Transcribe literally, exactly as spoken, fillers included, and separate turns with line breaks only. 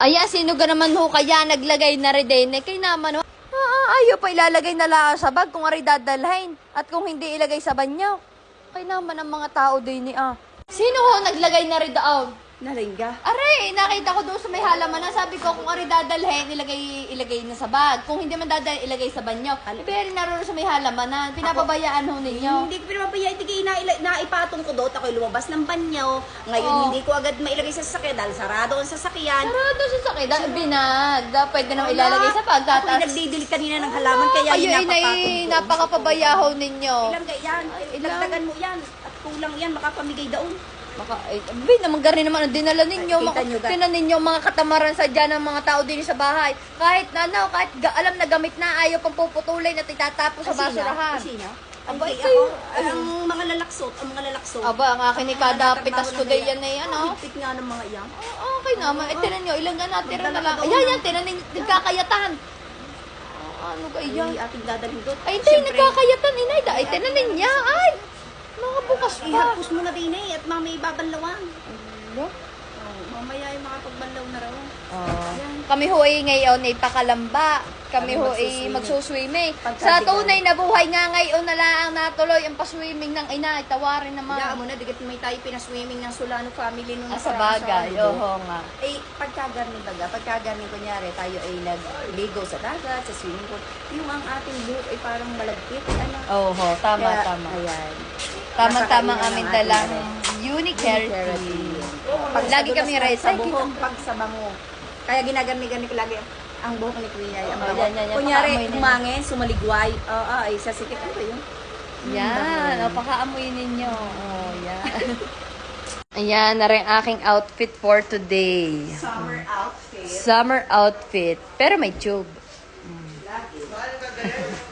Ayan, sino ka naman ho kaya naglagay na rin din? Eh, kay naman ho. Ah, ayaw pa ilalagay na lang sa bag kung ari dadalhin. At kung hindi ilagay sa banyo. Kay naman ang mga tao din ni ah. Sino ho naglagay na rin daon?
Nalingga.
Aray, nakita ko doon sa may halaman na sabi ko kung ari dadalhin, ilagay, ilagay na sa bag. Kung hindi man dadalhin, ilagay sa banyo. Pero naroon sa may halaman na, pinapabayaan ho ninyo.
Hindi ko pinapapaya, hindi na, naipatong ko doon. Ako'y lumabas ng banyo. Ngayon
Oh.
hindi ko agad mailagay sa sasakyan dahil sarado ang sasakyan.
Sarado sa sakit, da, binag. Da, pwede naman ilalagay sa bag.
Ako
Tatas.
nagdidilig kanina ng halaman kaya
Kayo
yun
ay
napapatong
nai,
doon.
napakapabayaho ninyo.
Ilang yan, ilagdagan mo yan. At kulang yan, makapamigay daon.
Baka, ay, abi, naman gari naman ang dinala ninyo.
Ay, kita
Mga,
nyo, ga-
tinan ninyo mga katamaran sa dyan ng mga tao din sa bahay. Kahit na, ano, kahit ga, alam na gamit na, ayaw pang puputulin at itatapos sa basurahan.
Sino?
Aba,
Ay,
ikaw.
ako, ang mga lalaksot, ang mga lalaksot.
Aba, ang akin ni kada pitas ko din yan na yan, oh.
Higpit nga ng mga yan.
Oh, okay naman. Eh, tinan nyo, ilang nga natira na lang.
Magdala ka daw
Ayan,
ng-
yan, tinan ninyo, nagkakayatan. Oh, ano kayo yan?
Ay, ating dadalhin doon.
Ay, hindi,
Siyempre,
nagkakayatan, inay. Ay, tinan ninyo, ay. Mga bukas pa.
ihapos mo na din eh, at mamay babanlawan.
Ano?
Oh, mamaya ay makapagbanlaw na raw.
Oh. Kami ho ay ngayon ay pakalamba. Kami
Kami
ho ay
magsuswimming.
magsuswimming.
Pagka-
Sa tunay na buhay nga ngayon na lang natuloy ang paswimming ng ina. Tawarin naman.
Hayaan mo na, digit may tayo pinaswimming ng Solano family nung
Ah, sa
nakaraan
bagay.
Ardo.
Oo nga.
Eh, pagkagarni baga, pagkagarni kunyari, tayo ay nagligo sa dagat, sa swimming pool, yung ang ating buhok ay parang malagkit, ano?
Oho, tama,
Kaya,
tama.
Ayan.
Tama-tama
Masakainan
aming
ng
dalang
ating
unique
Keratin.
keratin.
Pag
Lagi
sa
kami
dulas ng
rice.
Sa
Ay,
buhok,
kita.
pag sa bango. Kaya ginagarni-garni ko lagi ang buhok ni Kuya. Ay, ang
Oh,
bango.
yan, yan, yan.
Kunyari,
Pakaamoy na yan.
umangin, sumaligway. Oo, ay, sa sikit. Ano ba yun?
Yan. O, pakaamoy ninyo. Oh, yan. Ayan, na rin aking outfit for today.
Summer outfit.
Summer outfit. Pero may tube.
Lagi.